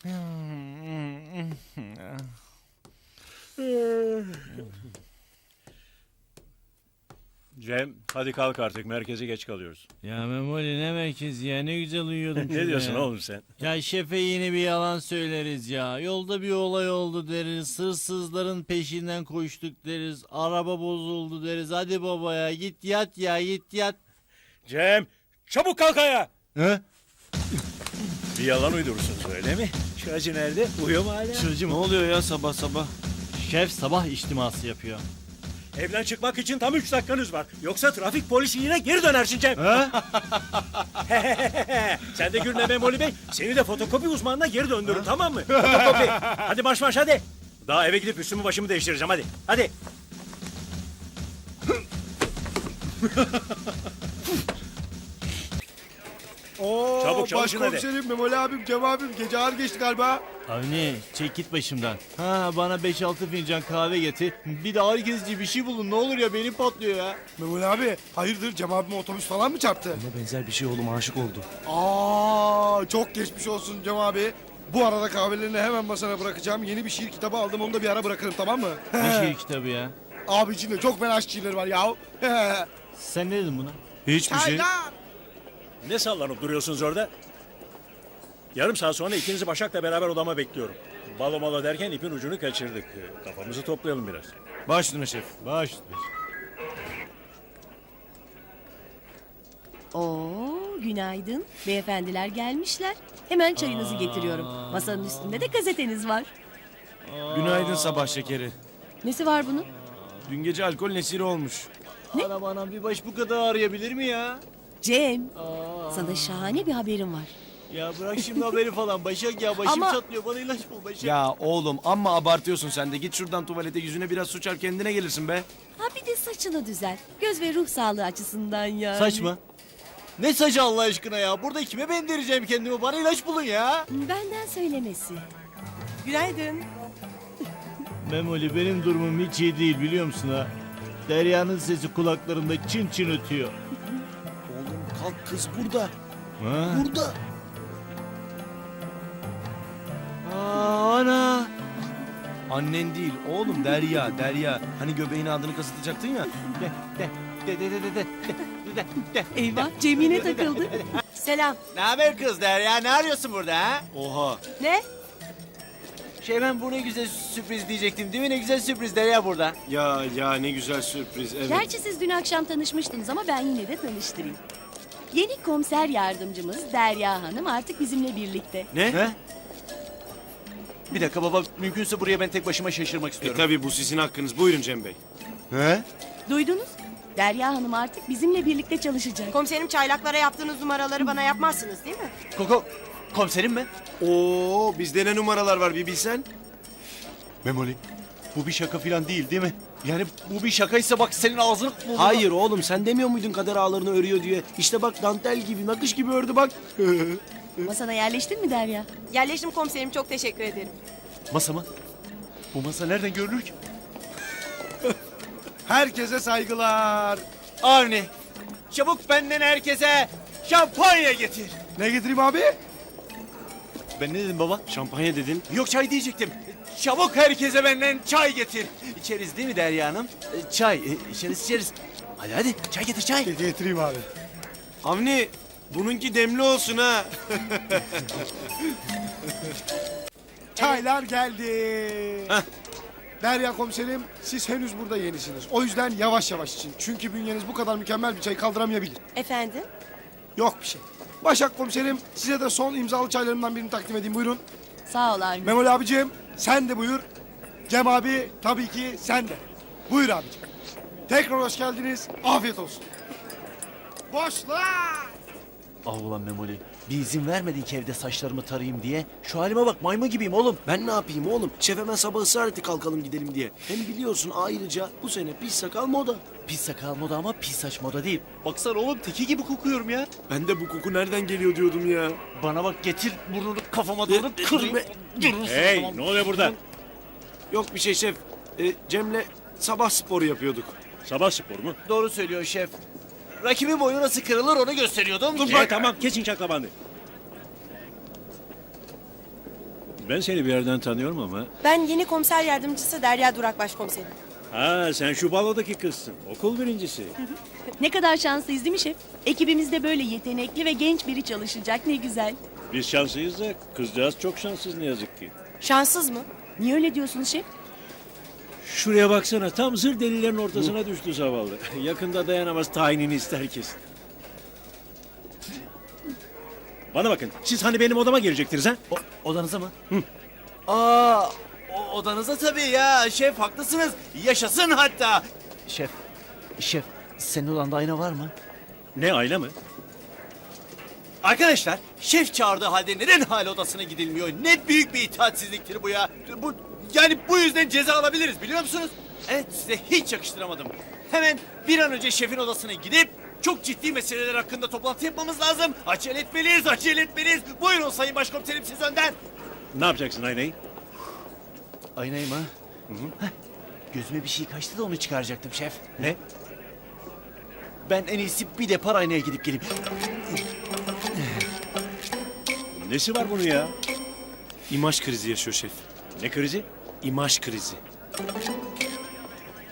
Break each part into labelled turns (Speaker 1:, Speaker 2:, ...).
Speaker 1: Cem, hadi kalk artık. Merkeze geç kalıyoruz.
Speaker 2: Ya Memoli ne merkezi ya, ne güzel uyuyordum.
Speaker 1: Ne diyorsun
Speaker 2: ya.
Speaker 1: oğlum sen?
Speaker 2: Ya şefe yine bir yalan söyleriz ya. Yolda bir olay oldu deriz. Hırsızların peşinden koştuk deriz. Araba bozuldu deriz. Hadi baba ya, git yat ya, git yat.
Speaker 1: Cem, çabuk kalk ayağa.
Speaker 2: He?
Speaker 1: Bir yalan uydurursunuz öyle mi? Şu acı nerede? Uyuyor mu hala?
Speaker 2: Çırcı
Speaker 3: Ne
Speaker 2: mı?
Speaker 3: oluyor ya sabah sabah?
Speaker 2: Şef sabah içtiması yapıyor.
Speaker 1: Evden çıkmak için tam 3 dakikanız var. Yoksa trafik polisi yine geri dönersin Cem.
Speaker 2: He?
Speaker 1: Sen de gülme Memoli Bey. Seni de fotokopi uzmanına geri döndürün, tamam mı? Fotokopi. Hadi marş marş hadi. Daha eve gidip üstümü başımı değiştireceğim, hadi. Hadi.
Speaker 4: Oo,
Speaker 1: Çabuk, çalışın hadi.
Speaker 4: Başkomiserim, Memoli abim, Cem abim gece ağır geçti galiba.
Speaker 2: Avni çek git başımdan. Ha, bana 5-6 fincan kahve getir. Bir de ağrı kesici bir şey bulun ne olur ya, benim patlıyor ya.
Speaker 4: Memoli abi hayırdır, Cem abime otobüs falan mı çarptı?
Speaker 3: Ona benzer bir şey oğlum, aşık oldu.
Speaker 4: Aa, çok geçmiş olsun Cem abi. Bu arada kahvelerini hemen masana bırakacağım. Yeni bir şiir kitabı aldım, onu da bir ara bırakırım, tamam mı?
Speaker 2: Ne şiir kitabı ya?
Speaker 4: Abi içinde çok fena şiirleri var ya.
Speaker 2: Sen ne dedin buna?
Speaker 3: Hiçbir şey.
Speaker 4: Çaylar.
Speaker 1: Ne sallanıp duruyorsunuz orada? Yarım saat sonra ikinizi Başak'la beraber odama bekliyorum. Balo malo derken ipin ucunu kaçırdık. Kafamızı toplayalım biraz.
Speaker 3: Baş üstüne şef.
Speaker 2: Baş.
Speaker 5: Oo, günaydın. Beyefendiler gelmişler. Hemen çayınızı getiriyorum. Masanın üstünde de gazeteniz var.
Speaker 3: Günaydın sabah şekeri.
Speaker 5: Nesi var bunun?
Speaker 3: Dün gece alkol nesiri olmuş.
Speaker 2: Anam anam, bir baş bu kadar ağrıyabilir mi ya?
Speaker 5: Cem, sana şahane bir haberim var.
Speaker 2: Ya bırak şimdi haberi falan Başak ya, başım
Speaker 5: Ama-
Speaker 2: çatlıyor, bana ilaç bul Başak.
Speaker 3: Ya oğlum amma abartıyorsun sen de. Git şuradan tuvalete, yüzüne biraz su çarp, kendine gelirsin be.
Speaker 5: Ha bir de saçını düzelt. Göz ve ruh sağlığı açısından yani.
Speaker 2: Saç mı? Ne saçı Allah aşkına ya? Burada kime bendireceğim kendimi? Bana ilaç bulun ya.
Speaker 5: Benden söylemesi. Günaydın.
Speaker 2: Memoli, benim durumum hiç iyi değil biliyor musun ha? Derya'nın sesi kulaklarımda çın çın ötüyor.
Speaker 3: Oğlum kalk, kız burada.
Speaker 2: Ha?
Speaker 3: Burada.
Speaker 2: Aa, ana.
Speaker 3: Annen değil oğlum, Derya, Derya. Hani göbeğine adını kasıtacaktın ya.
Speaker 5: Eyvah, Cem yine takıldı. Selam.
Speaker 2: Ne haber kız Derya? Ne arıyorsun burada ha?
Speaker 3: Oha.
Speaker 5: Ne?
Speaker 2: Ben bu ne güzel sürpriz diyecektim değil mi? Ne güzel sürpriz Derya burada.
Speaker 3: Ya ne güzel sürpriz, evet.
Speaker 5: Gerçi siz dün akşam tanışmıştınız ama ben yine de tanıştırayım. Yeni komiser yardımcımız Derya Hanım artık bizimle birlikte.
Speaker 3: Ne?
Speaker 2: Bir dakika baba, mümkünse buraya ben tek başıma şaşırmak istiyorum.
Speaker 3: Tabii bu sizin hakkınız. Buyurun Cem Bey.
Speaker 2: He?
Speaker 5: Duydunuz? Derya Hanım artık bizimle birlikte çalışacak.
Speaker 6: Komiserim, çaylaklara yaptığınız numaraları bana yapmazsınız değil mi?
Speaker 2: Koko, komiserim mi?
Speaker 3: Oo, bizde ne numaralar var bir bilsen.
Speaker 2: Memoli, bu bir şaka falan değil mi? Yani bu bir şakaysa bak senin ağzını...
Speaker 3: Hayır oğlum, sen demiyor muydun kader ağlarını örüyor diye? İşte bak, dantel gibi, nakış gibi ördü bak.
Speaker 5: Masana yerleştin mi Derya?
Speaker 6: Yerleştim komiserim, çok teşekkür ederim.
Speaker 2: Masa mı? Bu masa nereden görülür ki?
Speaker 4: Herkese saygılar.
Speaker 2: Avni, çabuk benden herkese şampanya getir.
Speaker 4: Ne getireyim abi?
Speaker 2: Ben ne dedim baba?
Speaker 3: Şampanya dedin.
Speaker 2: Yok, çay diyecektim. Çabuk herkese benden çay getir. İçeriz değil mi Derya Hanım? Çay, içeriz. Hadi hadi, çay getir çay.
Speaker 4: Getireyim abi.
Speaker 3: Avni, bununki demli olsun ha.
Speaker 4: Çaylar geldi. Derya komiserim, siz henüz burada yenisiniz. O yüzden yavaş yavaş için. Çünkü bünyeniz bu kadar mükemmel bir çay kaldıramayabilir.
Speaker 6: Efendim?
Speaker 4: Yok bir şey. Başak komiserim, size de son imzalı çaylarımdan birini takdim edeyim. Buyurun.
Speaker 5: Sağ ol Avni.
Speaker 4: Memoli abicim, sen de buyur. Cem abi, tabii ki sen de. Buyur abicim. Tekrar hoş geldiniz. Afiyet olsun. Boşlar!
Speaker 2: Ah ulan Memoli, bir izin vermedin ki evde saçlarımı tarayayım diye. Şu halime bak, maymun gibiyim oğlum.
Speaker 3: Ben ne yapayım oğlum? Şef hemen sabah ısrar etti kalkalım gidelim diye. Hem biliyorsun ayrıca bu sene pis sakal moda.
Speaker 2: Pis sakal moda ama pis saç moda değil. Baksana oğlum, teki gibi kokuyorum ya.
Speaker 3: Ben de bu koku nereden geliyor diyordum ya.
Speaker 2: Bana bak, getir burnunu kafama doğru kırayım.
Speaker 1: Hey, ne oluyor burada?
Speaker 3: Yok bir şey şef. Cem'le sabah sporu yapıyorduk.
Speaker 1: Sabah spor mu?
Speaker 2: Doğru söylüyor şef. Rakibin boyu nasıl kırılır onu gösteriyordum. Dur
Speaker 1: Tamam, geçin çaklabandı. Ben seni bir yerden tanıyorum ama.
Speaker 6: Ben yeni komiser yardımcısı Derya Durak başkomiserim.
Speaker 1: Ha, sen şu balodaki kızsın. Okul birincisi.
Speaker 5: Ne kadar şanslıyız değil mi şef? Ekibimizde böyle yetenekli ve genç biri çalışacak, ne güzel.
Speaker 1: Biz şanslıyız da kızcağız çok şanssız ne yazık ki.
Speaker 6: Şanssız mı?
Speaker 5: Niye öyle diyorsunuz şef?
Speaker 1: Şuraya baksana, tam zır delilerin ortasına düştü zavallı. Yakında dayanamaz, tayinini ister kesin. Bana bakın, siz hani benim odama gelecektiniz ha?
Speaker 7: Odanıza mı? Aa, odanıza tabii ya. Şef haklısınız. Yaşasın hatta. Şef, senin odanda ayna var mı?
Speaker 1: Ne, aile mi?
Speaker 7: Arkadaşlar, şef çağırdığı halde neden hala odasına gidilmiyor? Ne büyük bir itaatsizliktir bu ya. Yani bu yüzden ceza alabiliriz biliyor musunuz? Evet, size hiç yakıştıramadım. Hemen bir an önce şefin odasına gidip çok ciddi meseleler hakkında toplantı yapmamız lazım. Acele etmeliyiz. Buyurun sayın başkomiserim, siz önden.
Speaker 1: Ne yapacaksın aynayı?
Speaker 7: Aynayı mı? Heh, gözüme bir şey kaçtı da onu çıkaracaktım şef.
Speaker 1: Ne?
Speaker 7: Ben en iyisi bir depar aynaya gidip geleyim.
Speaker 1: Nesi var bunun ya?
Speaker 8: İmaj krizi yaşıyor şef.
Speaker 1: Ne krizi?
Speaker 8: İmaj krizi.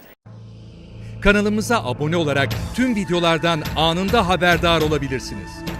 Speaker 9: Kanalımıza abone olarak tüm videolardan anında haberdar olabilirsiniz.